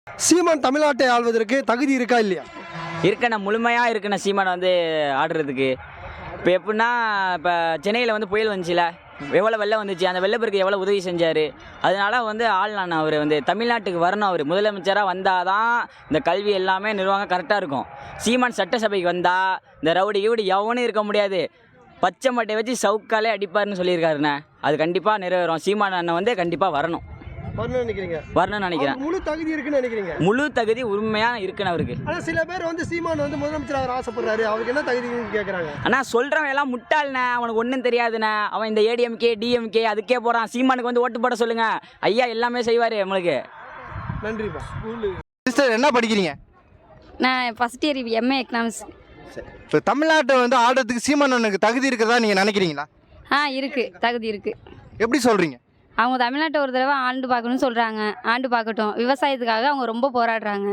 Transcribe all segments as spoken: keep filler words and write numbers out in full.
சீமான் தமிழ்நாட்டை ஆள்வதற்கு தகுதி இருக்கா இல்லையா? இருக்கண்ணா, முழுமையாக இருக்குண்ணா சீமான் வந்து ஆடுறதுக்கு. இப்போ எப்படின்னா, இப்போ சென்னையில் வந்து புயல் வந்துச்சுல, எவ்வளோ வெள்ளம் வந்துச்சு, அந்த வெள்ளப்பெருக்கு எவ்வளோ உதவி செஞ்சார். அதனால வந்து ஆள்லாண்ணா அவர் வந்து தமிழ்நாட்டுக்கு வரணும். அவர் முதலமைச்சராக வந்தால் தான் இந்த கல்வி எல்லாமே நிர்வாகம் கரெக்டாக இருக்கும். சீமான் சட்டசபைக்கு வந்தால் இந்த ரவுடி கீவுடி எவனும் இருக்க முடியாது. பச்சை மட்டை வச்சு சவுக்காலே அடிப்பார்னு சொல்லியிருக்காருண்ணே. அது கண்டிப்பாக நிறைவேறும். சீமான் அண்ணன் வந்து கண்டிப்பாக வரணும் வரணும்னு நினைக்கிறீங்க? வரணும்னு நினைக்கிறேன். முழு தகுதி இருக்குன்னு நினைக்கிறீங்க? முழு தகுதி உண்மையாக இருக்குன்னு அவருக்கு. ஆனால் சில பேர் வந்து சீமான் வந்து முதலமைச்சர் அவர் ஆசைப்படுறாரு, அவருக்கு என்ன தகுதின்னு கேட்குறாங்க. ஆனால் சொல்கிறவன் எல்லாம் முட்டாள்ண்ணே, அவனுக்கு ஒன்றும் தெரியாதுண்ணே. அவன் இந்த ஏடிஎம்கே டிஎம்கே அதுக்கே போகிறான். சீமானுக்கு வந்து ஓட்டு போட சொல்லுங்க, ஐயா எல்லாமே செய்வார் நம்மளுக்கு. நன்றிப்பா. சிஸ்டர் என்ன படிக்கிறீங்க? நான் ஃபஸ்ட் இயர் எம்ஏ எக்கனாமிக்ஸ். இப்போ தமிழ்நாட்டை வந்து ஆடுறதுக்கு சீமான் அண்ணனுக்கு தகுதி இருக்கிறதா நீங்கள் நினைக்கிறீங்களா? ஆ இருக்குது, தகுதி இருக்குது. எப்படி சொல்கிறீங்க? அவங்க தமிழ்நாட்டை ஒரு தடவை ஆண்டு பார்க்கணும்னு சொல்கிறாங்க. ஆண்டு பார்க்கட்டும். விவசாயத்துக்காக அவங்க ரொம்ப போராடுறாங்க.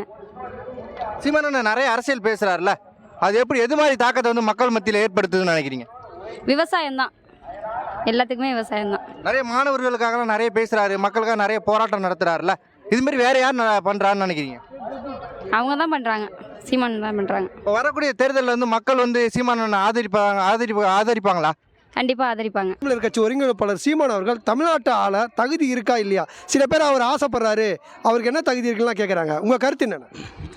சீமான் அண்ணன் நிறைய அரசியல் பேசுகிறாருல, அது எப்படி எது மாதிரி தாக்கத்தை வந்து மக்கள் மத்தியில் ஏற்படுத்துதுன்னு நினைக்கிறீங்க? விவசாயம்தான், எல்லாத்துக்குமே விவசாயம்தான். நிறைய மாணவர்களுக்காகலாம் நிறைய பேசுகிறாரு, மக்களுக்காக நிறைய போராட்டம் நடத்துகிறாருல, இதுமாரி வேறு யார் பண்ணுறான்னு நினைக்கிறீங்க? அவங்க தான் பண்ணுறாங்க, சீமான் தான் பண்ணுறாங்க. இப்போ வரக்கூடிய தேர்தலில் வந்து மக்கள் வந்து சீமான் அண்ணன் ஆதரிப்பாங்க ஆதரிப்பு ஆதரிப்பாங்களா? கண்டிப்பாக ஆதரிப்பாங்க. தமிழர் கட்சி ஒருங்கிணைப்பாளர் சீமான் அவர்கள் தமிழ்நாட்டு ஆள தகுதி இருக்கா இல்லையா? சில பேர் அவர் ஆசைப்படுறாரு, அவருக்கு என்ன தகுதி இருக்குலாம் கேட்குறாங்க. உங்கள் கருத்து என்னென்ன?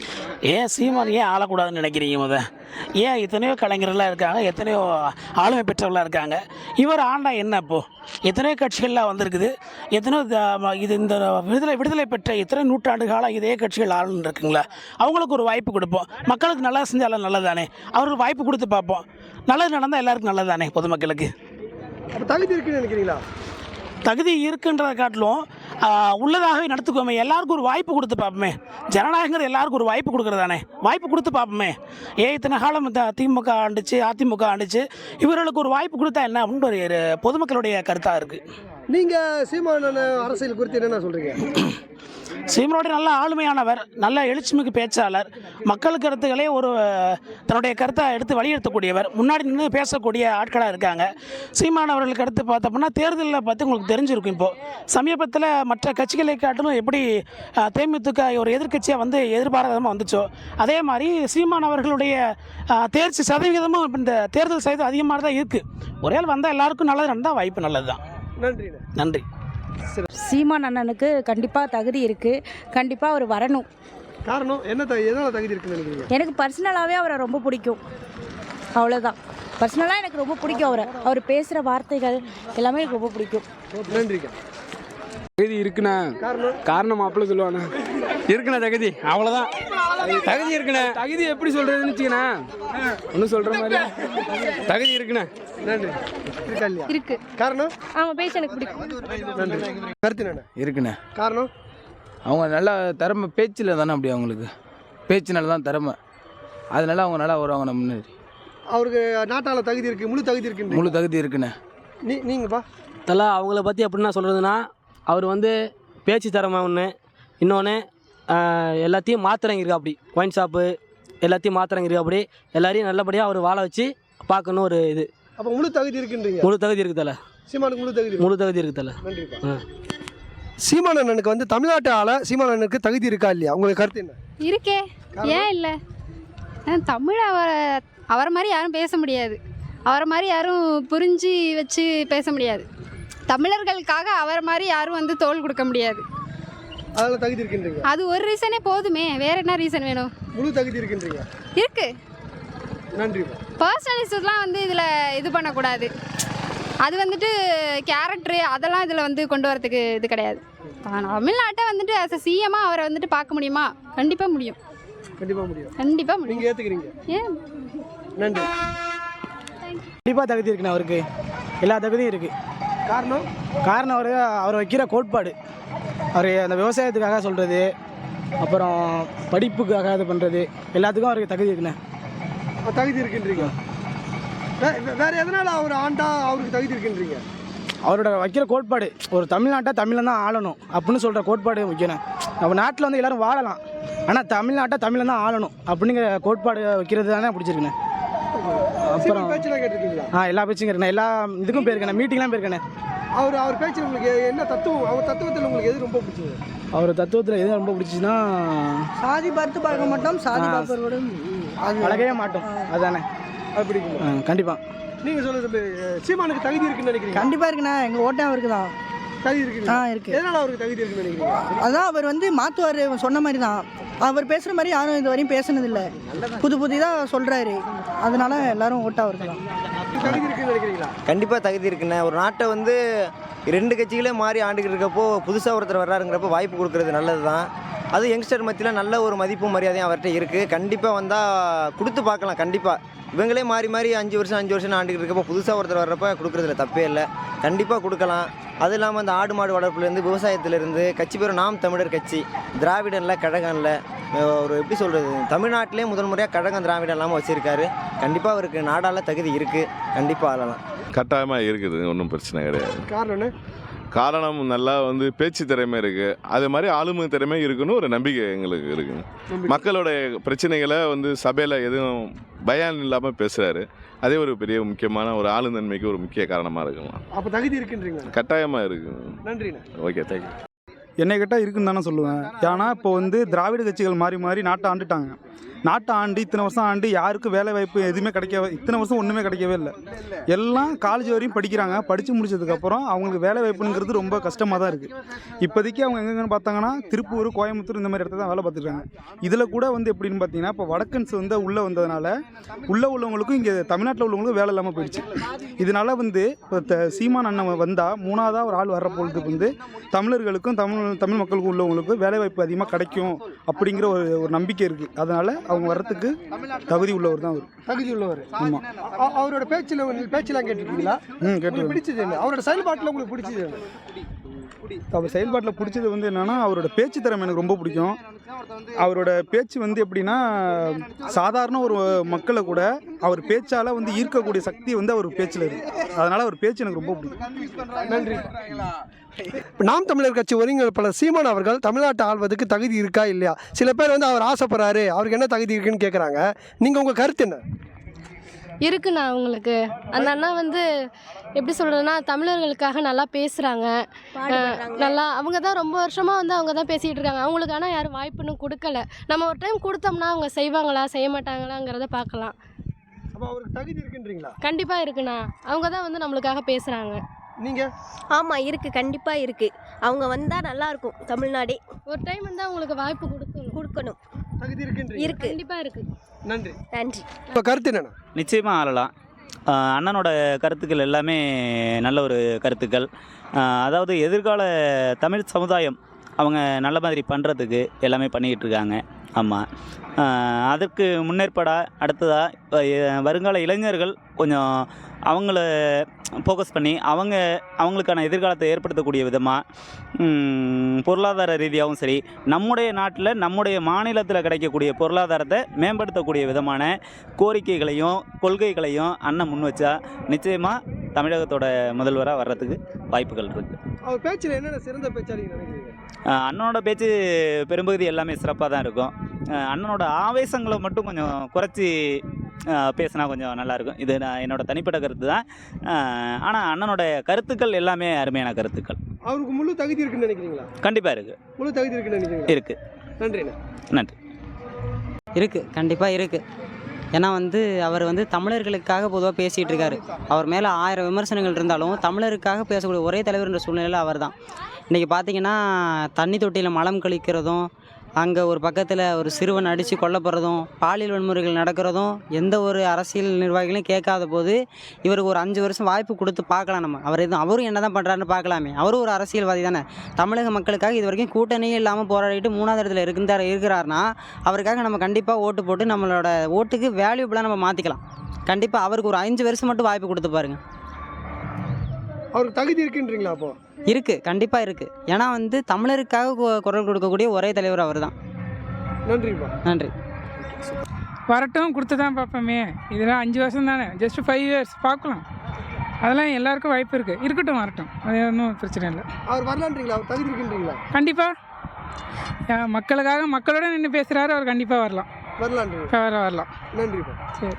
ஏன் சீமான் ஏன் ஆளக்கூடாதுன்னு நினைக்கிறீங்க? முத ஏன் எத்தனையோ கலைஞர்கள்லாம் இருக்காங்க, எத்தனையோ ஆளுமை பெற்றவர்களாக இருக்காங்க. இவர் ஆண்டா என்ன? இப்போது எத்தனையோ கட்சிகள்லாம் வந்திருக்குது, எத்தனையோ இது இந்த விடுதலை விடுதலை பெற்ற எத்தனை நூற்றாண்டு காலம் இதே கட்சிகள் ஆளுன்னு இருக்குங்களா? அவங்களுக்கு ஒரு வாய்ப்பு கொடுப்போம். மக்களுக்கு நல்லா செஞ்சாலும் நல்லதானே, அவருக்கு வாய்ப்பு கொடுத்து பார்ப்போம். நல்லது நடந்தால் எல்லாருக்கும் நல்லதானே பொதுமக்களுக்கு. அப்போ தகுதி இருக்குன்னு நினைக்கிறீங்களா? தகுதி இருக்குன்றதை காட்டிலும் உள்ளதாகவே நடத்துக்கோமே. எல்லாருக்கும் ஒரு வாய்ப்பு கொடுத்து பார்ப்போமே. ஜனநாயகங்கிறது எல்லாருக்கும் ஒரு வாய்ப்பு கொடுக்குறதானே, வாய்ப்பு கொடுத்து பார்ப்போமே. ஏ இத்தனை காலம் திமுக ஆண்டுச்சு, அதிமுக ஆண்டுச்சு, இவர்களுக்கு ஒரு வாய்ப்பு கொடுத்தா என்ன அப்படின்னு ஒரு பொதுமக்களுடைய கருத்தாக இருக்குது. நீங்கள் சீமான் அரசியல் குறித்து என்னென்ன சொல்கிறீங்க? சீமானோட நல்ல ஆளுமையானவர், நல்ல எழுச்சிமிகு பேச்சாளர், மக்கள் கருத்துக்களே ஒரு தன்னுடைய கருத்தை எடுத்து வலியுறுத்தக்கூடியவர், முன்னாடி நின்று பேசக்கூடிய ஆட்களாக இருக்காங்க. சீமானவர்கள் கருத்து பார்த்தோம்னா தேர்தலில் பார்த்து உங்களுக்கு தெரிஞ்சிருக்கும். இப்போது சமீபத்தில் மற்ற கட்சிகளை காட்டிலும் எப்படி தேமுதிக ஒரு எதிர்கட்சியாக வந்து எதிர்பாராதமாக வந்துச்சோ, அதே மாதிரி சீமானவர்களுடைய தேர்ச்சி சதவீதமும் இந்த தேர்தல் சதவீதம் அதிகமாக தான் இருக்குது. ஒரே ஆள் வந்தால் எல்லாருக்கும் நல்லது நடந்தால் வாய்ப்பு நல்லது தான். நன்றி நன்றி. சீமான் அண்ணனுக்கு கண்டிப்பாக தகுதி இருக்குது, கண்டிப்பாக அவர் வரணும். காரணம் என்ன? எதனால் தகுதி இருக்குன்னு நினைக்கிறீங்க? எனக்கு பர்சனலாகவே அவரை ரொம்ப பிடிக்கும், அவ்வளோதான். பர்சனலாக எனக்கு ரொம்ப பிடிக்கும் அவரை, அவர் பேசுகிற வார்த்தைகள் எல்லாமே எனக்கு ரொம்ப பிடிக்கும். நன்றிக்கா. தகுதி இருக்குண்ணா. காரணம்? காரணம் மாப்பிள்ள சொல்லுவாண்ணா. இருக்குண்ணா தகுதி, அவ்வளோதான். தகுதி இருக்குண்ணா. தகுதி எப்படி சொல்கிறதுன்னு வச்சுக்கண்ணா, ஒன்றும் சொல்கிற மாதிரி தகுதி இருக்குண்ணா. நன்றி. இருக்கா இல்லையா? இருக்கு. காரணம்? அவங்க பேச எனக்கு பிடிக்கும். நன்றி. கருத்து என்ன? இருக்குண்ணே. காரணம்? அவங்க நல்லா திறமை பேச்சில் தானே, அப்படி அவங்களுக்கு பேச்சினால தான் திறமை, அதனால அவங்க நல்லா வருவாங்க நம்ம முன்னாடி. அவருக்கு நாட்டால் தகுதி இருக்குது, முழு தகுதி இருக்குன்னு? முழு தகுதி இருக்குண்ணே. நீ நீங்கப்பா தலா அவங்கள பற்றி எப்படின்னா சொல்கிறதுனா, அவர் வந்து பேச்சு திறமை ஒன்று, இன்னொன்று எல்லாத்தையும் மாத்திரங்க இருக்கா, அப்படி ஒயின் ஷாப்பு எல்லாத்தையும் மாத்திரங்க இருக்கா, அப்படி எல்லாரையும் நல்லபடியாக அவர் வாழ வச்சு பார்க்கணும் ஒரு இது. அப்போ முழு தகுதி இருக்குன்றீங்க? முழு தகுதி இருக்குது தலை. சீமானுக்கு முழு தகுதி? முழு தகுதி இருக்குது தலை. நன்றிப்பா. சீமான் அண்ணனுக்கு வந்து தமிழ்நாட்டு ஆள சீமான் அண்ணனுக்கு தகுதி இருக்கா இல்லையா? உங்களுக்கு கருத்து என்ன? இருக்கே, ஏன் இல்லை? தமிழ் அவரை அவரை மாதிரி யாரும் பேச முடியாது, அவரை மாதிரி யாரும் புரிஞ்சு வச்சு பேச முடியாது. தமிழர்களுக்காக அவரை மாதிரி யாரும் வந்து தோல் கொடுக்க முடியாது. அதில் தகுதி இருக்குன்றீங்க? அது ஒரு ரீசனே போதுமே, வேற என்ன ரீசன் வேணும்? முழு தகுதி இருக்குன்றீங்க? இருக்கு. நன்றிப்பா. பர்சனலிஸ்ட்லாம் வந்து இதில் இது பண்ணக்கூடாது. அது வந்துட்டு கேரக்டரு அதெல்லாம் இதில் வந்து கொண்டு வரதுக்கு இது கிடையாது. தமிழ்நாட்டை வந்துட்டு ஆஸ் அ சிஎம்மாக அவரை வந்துட்டு பார்க்க முடியுமா? கண்டிப்பாக முடியும். கண்டிப்பாக முடியும். கண்டிப்பாக முடியும். நீங்கள் ஏற்றுக்கிறீங்க? ஏன்? நன்றி. கண்டிப்பாக தகுதி இருக்குண்ணே, அவருக்கு எல்லா தகுதியும் இருக்குது. காரணம்? காரணம் அவர் அவர் வைக்கிற கோட்பாடு, அவர் அந்த விவசாயத்துக்காக சொல்கிறது, அப்புறம் படிப்புக்காக இது பண்ணுறது, எல்லாத்துக்கும் அவருக்கு தகுதி இருக்குண்ணே. தகுதி இருக்குன்றீங்க? வேறு எதனால் அவர் ஆண்டா அவருக்கு தகுதி இருக்குன்றீங்க? அவரோட வைக்கிற கோட்பாடு, ஒரு தமிழ்நாட்டை தமிழில் தான் ஆளணும் அப்படின்னு சொல்கிற கோட்பாடு முக்கியம். நம்ம நாட்டில் வந்து எல்லோரும் வாழலாம், ஆனால் தமிழ்நாட்டை தமிழில் தான் ஆளணும் அப்படிங்கிற கோட்பாடு வைக்கிறது தானே பிடிச்சிருக்குண்ணே. அப்புறம் பேச்செல்லாம் கேட்டிருக்கீங்களா? ஆ, எல்லா பேச்சும் கேட்கணும், எல்லா இதுக்கும் போயிருக்கேன், மீட்டிங்லாம் போயிருக்கேன். அவர் அவர் பேச்சு உங்களுக்கு என்ன தத்துவம், அவர் தத்துவத்தில் உங்களுக்கு எது ரொம்ப பிடிச்சது? அவர் தத்துவத்தில் எது ரொம்ப பிடிச்சிச்சுன்னா சாதி பார்த்து பார்க்க மாட்டோம், சாதி ஆ. பார்ப்பவரோட அது பழகவே மாட்டோம். அதானே அது பிடிக்கும். கண்டிப்பாக. நீங்கள் சொல்லுங்க தம்பி, சீமானுக்கு தகுதி இருக்குன்னு நினைக்கிறீங்க? கண்டிப்பாக இருக்குண்ணா. எங்கள் ஓட்டம் அவருக்கு தான். தகுதி இருக்கு. ஆ இருக்குது. எதனால் அவருக்கு தகுதி இருக்குன்னு நினைக்கிறீங்க? அதான் அவர் வந்து மாற்றுவார் சொன்ன மாதிரி தான். அவர் பேசுகிற மாதிரி யாரும் இது வரையும் பேசுனதில்லை. புது புதிதாக சொல்கிறாரு. அதனால எல்லாரும் ஓட்டம் அவருக்கு தான். தகுதி இருக்குன்னு நினைக்கிறீங்களா? கண்டிப்பாக தகுதி இருக்குண்ணே. ஒரு நாட்டை வந்து ரெண்டு கட்சிகளே மாறி ஆண்டுகிட்டு இருக்கப்போ புதுசாக ஒருத்தர் வர்றாருங்கிறப்போ வாய்ப்பு கொடுக்குறது நல்லது தான். அது யங்ஸ்டர் மத்தியில் நல்ல ஒரு மதிப்பும் மரியாதையும் அவர்கிட்ட இருக்குது. கண்டிப்பாக வந்தால் கொடுத்து பார்க்கலாம். கண்டிப்பாக இவங்களே மாறி மாறி அஞ்சு வருஷம் அஞ்சு வருஷம் ஆண்டுகிட்டு இருக்கப்போ புதுசாக ஒருத்தர் வர்றப்போ கொடுக்குறதுல தப்பே இல்லை. கண்டிப்பாக கொடுக்கலாம். அது இல்லாமல் அந்த ஆடு மாடு வளர்ப்புலேருந்து விவசாயத்துலேருந்து கட்சி பேர் நாம் தமிழர் கட்சி, திராவிடனில் கழகம்ல ஒரு எப்படி சொல்கிறது, தமிழ்நாட்டிலே முதல் முறையாக கழகம் திராவிடம் இல்லாமல் வச்சுருக்காரு. கண்டிப்பாக அவருக்கு நாடால தகுதி இருக்குது. கண்டிப்பாக ஆளலாம். கட்டாயமாக இருக்குது, ஒன்றும் பிரச்சனை கிடையாது. காரணம் காரணம் நல்லா வந்து பேச்சு திறமை இருக்குது, அது மாதிரி ஆளுமை திறமை இருக்குன்னு ஒரு நம்பிக்கை எங்களுக்கு இருக்குது. மக்களோட பிரச்சனைகளை வந்து சபையில் எதுவும் பயம் இல்லாமல் பேசுகிறாரு. அதே ஒரு பெரிய முக்கியமான ஒரு ஆளுநன்மைக்கு ஒரு முக்கிய காரணமாக இருக்கலாம். அப்போ தகுதி இருக்குன்றீங்க? கட்டாயமாக இருக்குது. நன்றிண்ணா. Okay, thank you. என்னை கேட்டால் இருக்குன்னு தானே சொல்லுவேன். ஏன்னா இப்போ வந்து திராவிட கட்சிகள் மாறி மாறி நாட்டை ஆண்டுட்டாங்க. நாட்டை ஆண்டு இத்தனை வருஷம் ஆண்டு யாருக்கும் வேலை வாய்ப்பு எதுவுமே கிடைக்கவே, இத்தனை வருஷம் ஒன்றுமே கிடைக்கவே இல்லை. எல்லாம் காலேஜ் வரையும் படிக்கிறாங்க. படித்து முடிச்சதுக்கப்புறம் அவங்களுக்கு வேலை வாய்ப்புங்கிறது ரொம்ப கஷ்டமாக தான் இருக்குது. இப்போதைக்கு அவங்க எங்கெங்கன்னு பார்த்தாங்கன்னா திருப்பூர், கோயம்புத்தூர் இந்த மாதிரி இடத்துல தான் வேலை பார்த்துருக்காங்க. இதில் கூட வந்து எப்படின்னு பார்த்தீங்கன்னா இப்போ வடக்கன்ஸ் வந்து உள்ளே வந்ததுனால உள்ளே உள்ளவங்களுக்கும் இங்கே தமிழ்நாட்டில் உள்ளவங்களுக்கும் வேலை இல்லாமல் போயிடுச்சு. இதனால் வந்து இப்போ த சீமான் அண்ணன் வந்தால் மூணாவதாக ஒரு ஆள் வர்ற பொழுதுக்கு வந்து தமிழர்களுக்கும் தமிழ் தமிழ் மக்களுக்கும் உள்ளவங்களுக்கும் வேலை வாய்ப்பு அதிகமாக கிடைக்கும் அப்படிங்கிற ஒரு ஒரு நம்பிக்கை இருக்குது. அதனால் அவங்க வர்றதுக்கு தகுதி உள்ளவர் தான் அவர். தகுதி உள்ளவர். ஆமாம். அவரோட பேச்சில் பேச்செல்லாம் கேட்டுருக்கீங்களா? ம் கேட்டு. பிடிச்சது என்ன? அவரோட செயல்பாட்டில் உங்களுக்கு பிடிச்சது என்ன? அவர் செயல்பாட்டில் பிடிச்சது வந்து என்னென்னா அவரோட பேச்சு திறமை எனக்கு ரொம்ப பிடிக்கும். அவரோட பேச்சு வந்து எப்படின்னா சாதாரண ஒரு மக்களை கூட அவர் பேச்சால் வந்து ஈர்க்கக்கூடிய சக்தி வந்து அவர் பேச்சில் இருக்குது. அதனால் அவர் பேச்சு எனக்கு ரொம்ப பிடிக்கும். நன்றி. நாம் தமிழர் கட்சி ஒருங்கிணைப்பாளர் சீமான் அவர்கள் தமிழ்நாட்டை ஆள்வதற்கு தகுதி இருக்கா இல்லையா? சில பேர் வந்து அவர் ஆசைப்படுறாரு, அவருக்கு என்ன தகுதி இருக்குன்னு கேட்குறாங்க. நீங்கள் உங்கள் கருத்து என்ன? இருக்குண்ணா. அவங்களுக்கு அந்த அண்ணா வந்து எப்படி சொல்கிறதுனா தமிழர்களுக்காக நல்லா பேசுகிறாங்க. நல்லா அவங்க தான் ரொம்ப வருஷமாக வந்து அவங்க தான் பேசிகிட்டு இருக்காங்க. அவங்களுக்கு ஆனால் யாரும் வாய்ப்புன்னு கொடுக்கல. நம்ம ஒரு டைம் கொடுத்தோம்னா அவங்க செய்வாங்களா செய்ய மாட்டாங்களாங்கிறத பார்க்கலாம். அப்போ அவருக்கு தகுதி இருக்குன்றீங்களா? கண்டிப்பாக இருக்குண்ணா. அவங்க தான் வந்து நம்மளுக்காக பேசுகிறாங்க. நீங்கள்? ஆமாம் இருக்குது, கண்டிப்பாக இருக்குது. அவங்க வந்தால் நல்லாயிருக்கும் தமிழ்நாடே. ஒரு டைம் வந்து அவங்களுக்கு வாய்ப்பு கொடுக்கணும் கொடுக்கணும். தகுதி இருக்குன்றீங்க? இருக்குது, கண்டிப்பாக இருக்குது. நன்றி. நன்றி. இப்போ கருத்து என்னென்ன? நிச்சயமாக ஆளலாம். அண்ணனோட கருத்துக்கள் எல்லாமே நல்ல ஒரு கருத்துக்கள். அதாவது எதிர்கால தமிழ் சமுதாயம் அவங்க நல்ல மாதிரி பண்ணுறதுக்கு எல்லாமே பண்ணிக்கிட்டு இருக்காங்க. ஆமாம். அதற்கு முன்னேற்பாடாக அடுத்ததாக வருங்கால இளைஞர்கள் கொஞ்சம் அவங்கள ஃபோக்கஸ் பண்ணி அவங்க அவங்களுக்கான எதிர்காலத்தை ஏற்படுத்தக்கூடிய விதமாக பொருளாதார ரீதியாகவும் சரி, நம்முடைய நாட்டில் நம்முடைய மாநிலத்தில் கிடைக்கக்கூடிய பொருளாதாரத்தை மேம்படுத்தக்கூடிய விதமான கோரிக்கைகளையும் கொள்கைகளையும் அண்ணன் முன் வச்சா நிச்சயமாக தமிழகத்தோட முதல்வராக வர்றதுக்கு வாய்ப்புகள் இருக்குது. அவர் பேச்சில் என்னென்ன சிறந்த பேச்சாளிங்க நினைக்கிறீங்க? அண்ணனோட பேச்சு பெரும்பகுதி எல்லாமே சிறப்பாக தான் இருக்கும். அண்ணனோட ஆவேசங்களை மட்டும் கொஞ்சம் குறைச்சி பேசினா கொஞ்சம் நல்லாயிருக்கும். இது நான் என்னோட தனிப்பட்ட கருத்து தான். ஆனால் அண்ணனோட கருத்துக்கள் எல்லாமே அருமையான கருத்துக்கள். அவருக்கு முழு தகுதி இருக்குன்னு நினைக்கிறீங்களா? கண்டிப்பாக இருக்குது. முழு தகுதி இருக்குன்னு நினைக்கிறீங்களா? இருக்குது. நன்றிண்ணா. நன்றி. இருக்குது, கண்டிப்பாக இருக்குது. ஏன்னா வந்து அவர் வந்து தமிழர்களுக்காக பொதுவாக பேசிகிட்டு இருக்காரு. அவர் மேலே ஆயிரம் விமர்சனங்கள் இருந்தாலும் தமிழருக்காக பேசக்கூடிய ஒரே தலைவர் என்ற சூழ்நிலையில் அவர் தான். இன்றைக்கி பார்த்தீங்கன்னா தண்ணி தொட்டியில் மலம் கழிக்கிறதும், அங்கே ஒரு பக்கத்தில் ஒரு சிறுவன் அடித்து கொல்லப்படுறதும், பாலியல் வன்முறைகள் நடக்கிறதும் எந்த ஒரு அரசியல் நிர்வாகிகளையும் கேட்காத போது இவருக்கு ஒரு அஞ்சு வருஷம் வாய்ப்பு கொடுத்து பார்க்கலாம். நம்ம அவர் எதுவும் அவரும் என்ன தான் பண்ணுறாருன்னு பார்க்கலாமே. அவரும் ஒரு அரசியல்வாதி தானே. தமிழக மக்களுக்காக இது வரைக்கும் கூட்டணியே இல்லாமல் போராடிட்டு மூணாவது இடத்துல இருக்கிறார் இருக்கிறாருன்னா அவருக்காக நம்ம கண்டிப்பாக ஓட்டு போட்டு நம்மளோட ஓட்டுக்கு வேல்யூபிளாக நம்ம மாற்றிக்கலாம். கண்டிப்பாக அவருக்கு ஒரு அஞ்சு வருஷம் மட்டும் வாய்ப்பு கொடுத்து பாருங்கள். அவருக்கு தகுதி இருக்குன்றீங்களா? அப்போ இருக்குது, கண்டிப்பாக இருக்குது. ஏன்னா வந்து தமிழருக்காக குரல் கொடுக்கக்கூடிய ஒரே தலைவர் அவர் தான். நன்றிப்பா. நன்றி. வரட்டும், கொடுத்து தான் பார்ப்போமே. இதெல்லாம் அஞ்சு வருஷம் தானே, ஜஸ்ட் ஃபைவ் இயர்ஸ் பார்க்கலாம். அதெல்லாம் எல்லாருக்கும் வாய்ப்பு இருக்குது. இருக்கட்டும், வரட்டும், அது ஒன்றும் பிரச்சனை இல்லை. அவர் வரலான்றீங்களா? அவர் தகுதி இருக்குன்றீங்களா? கண்டிப்பாக மக்களுக்காக மக்களோட நின்று பேசுகிறாரு. அவர் கண்டிப்பாக வரலாம். வரலான்றீங்க? வர வரலாம். நன்றிப்பா. சரி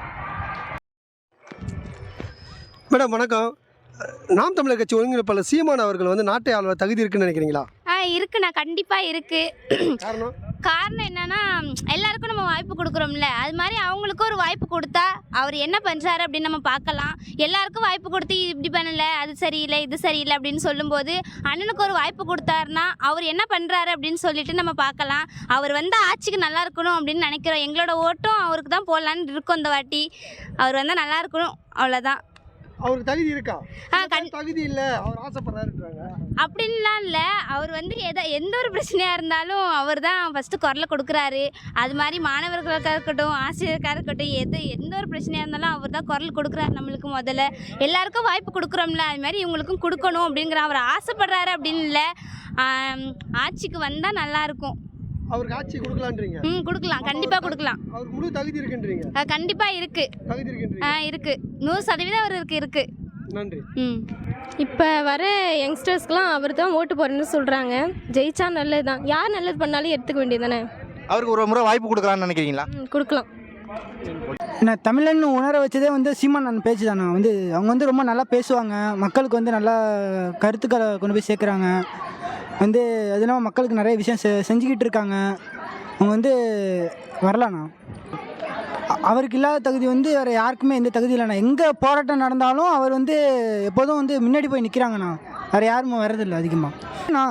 மேடம் வணக்கம். நாம் தமிழர் கட்சி ஒருங்கிணைப்பாளர் சீமான் அவர்கள் வந்து நாட்டை ஆள்வ தகுதி இருக்குன்னு நினைக்கிறீங்களா? ஆ இருக்குண்ணா கண்டிப்பாக இருக்குது. காரணம் காரணம் என்னன்னா எல்லாருக்கும் நம்ம வாய்ப்பு கொடுக்குறோம்ல, அது மாதிரி அவங்களுக்கும் ஒரு வாய்ப்பு கொடுத்தா அவர் என்ன பண்ணுறாரு அப்படின்னு நம்ம பார்க்கலாம். எல்லாருக்கும் வாய்ப்பு கொடுத்து இது இப்படி பண்ணலை, அது சரியில்லை, இது சரியில்லை அப்படின்னு சொல்லும்போது அண்ணனுக்கு ஒரு வாய்ப்பு கொடுத்தாருன்னா அவர் என்ன பண்ணுறாரு அப்படின்னு சொல்லிட்டு நம்ம பார்க்கலாம். அவர் வந்து ஆட்சிக்கு நல்லா இருக்கணும் அப்படின்னு நினைக்கிறோம். எங்களோட ஓட்டும் அவருக்கு தான் போடலான்னு இருக்கோம் இந்த வாட்டி. அவர் வந்தால் நல்லா இருக்கணும், அவ்வளோதான். அவருக்கு தகுதி இருக்கா? ஆ கண் தகுதி இல்லை, அவர் ஆசைப்படுறாருன்றாங்க. அப்படின்லாம் இல்லை. அவர் வந்து எதை எந்த ஒரு பிரச்சனையாக இருந்தாலும் அவர் தான் ஃபஸ்ட்டு குரலை கொடுக்குறாரு. அது மாதிரி மாணவர்களுக்காக இருக்கட்டும், ஆசிரியருக்காக இருக்கட்டும், எது எந்த ஒரு பிரச்சனையாக இருந்தாலும் அவர் தான் குரல் கொடுக்குறாரு நம்மளுக்கு. முதல்ல எல்லாருக்கும் வாய்ப்பு கொடுக்குறோம்ல, அது மாதிரி இவங்களுக்கும் கொடுக்கணும் அப்படிங்கிற அவர் ஆசைப்படுறாரு அப்படின்னு இல்லை. ஆட்சிக்கு வந்தால் நல்லாயிருக்கும். அவருக்கு ஆட்சி கொடுக்கலான்றீங்க? ம் கொடுக்கலாம், கண்டிப்பாக கொடுக்கலாம். அவருக்கு முழு தகுதி இருக்குன்றீங்க? கண்டிப்பாக இருக்குது. தகுதி இருக்குன்றீங்க? ஆ இருக்குது, நூறு சதவீதம் அவருக்கு இருக்குது. நன்றி. ம் இப்போ வர யங்ஸ்டர்ஸ்க்குலாம் அவர் தான் ஓட்டு போடுறேன்னு சொல்கிறாங்க. ஜெயிச்சா நல்லது தான். யார் நல்லது பண்ணாலும் எடுத்துக்க வேண்டியது தானே. அவருக்கு ஒரு முறை வாய்ப்பு கொடுக்கலான்னு நினைக்கிறீங்களா? ம் கொடுக்கலாம். என்ன தமிழன்னு உணர வச்சதே வந்து சீமான் அண்ணன் பேச்சு தானே. வந்து அவங்க வந்து ரொம்ப நல்லா பேசுவாங்க, மக்களுக்கு வந்து நல்லா கருத்துக்களை கொண்டு போய் சேர்க்குறாங்க. வந்து அது இல்லாமல் மக்களுக்கு நிறைய விஷயம் செ செஞ்சுக்கிட்டு இருக்காங்க. அவங்க வந்து வரலாண்ணா. அ- அவருக்கு இல்லாத தகுதி வந்து வேறு யாருக்குமே எந்த தகுதி இல்லைண்ணா. எங்கே போராட்டம் நடந்தாலும் அவர் வந்து எப்போதும் வந்து முன்னாடி போய் நிற்கிறாங்கண்ணா. வேறு யாருமே வர்றதில்லை அதிகமாக. அண்ணா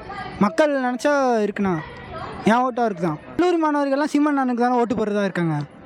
மக்கள் நினச்சா இருக்குண்ணா. என் ஓட்டு அவருக்கு தான். கல்லூரி மாணவர்கள்லாம் சீமான் அண்ணனுக்கு தானே ஓட்டு போடுறதா இருக்காங்க.